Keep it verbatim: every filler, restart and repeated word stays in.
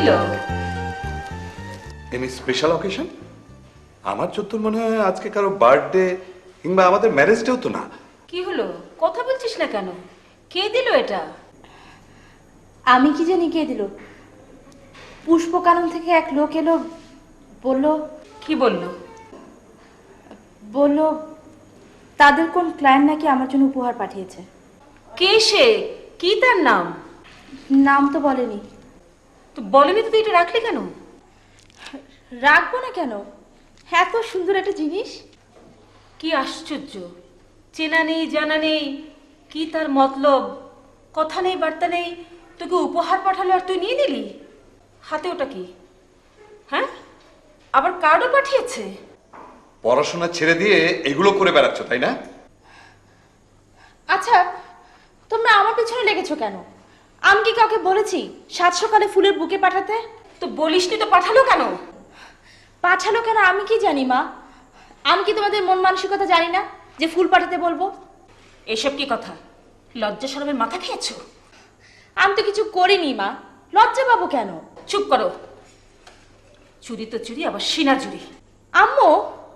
হলো? Any special occasion? আমার যতদূর মনে হয় আজকে কারো বার্থডে কিংবা আমাদের ম্যারেজ ডেও তো না। কি হলো, কথা বলছিস না কেন? কে দিল এটা? আমি কি জানি কে দিল। পুষ্পকানন থেকে এক লোক এলো, বলল। কি বললো? বলল তাদের কোন ক্লায়েন্ট নাকি আমার জন্য উপহার পাঠিয়েছে। কে সে? কি তার নাম? নাম তো বলেনি। তো বলেনি তো তুই এটা রাখলি কেন? রাখবো না কেন, এত সুন্দর একটা জিনিস। কি আশ্চর্য, চেনা নেই জানা নেই, কি তার মতলব, কথা নেই বার্তা নেই, তোকে উপহার পাঠালো আর তুই নিয়ে নিলি? হাতে ওটা কি? হ্যাঁ, আবার কার্ডও পাঠিয়েছে। পড়াশোনা ছেড়ে দিয়ে এগুলো করে বেড়াচ্ছ তাই না? আচ্ছা, তোমরা আমার পেছনে লেগেছো কেন? আমি কি কাউকে বলেছি সাত সকালে ফুলের বুকে পাঠাতে? তো বলিসনি তো পাঠালো কেন? পাঠালো কেন আমি কি জানি মা? আমি কি তোমাদের মন মানসিকতা জানি না যে ফুল পাঠাতে বলবো? এসব কি কথা? লজ্জা শরমের মাথা খেয়েছো? আমি তো কিছু করিনি মা, লজ্জা পাবো কেন? চুপ করো। চুরি তো চুরি, আবার সিনা চুরি। আম্মু,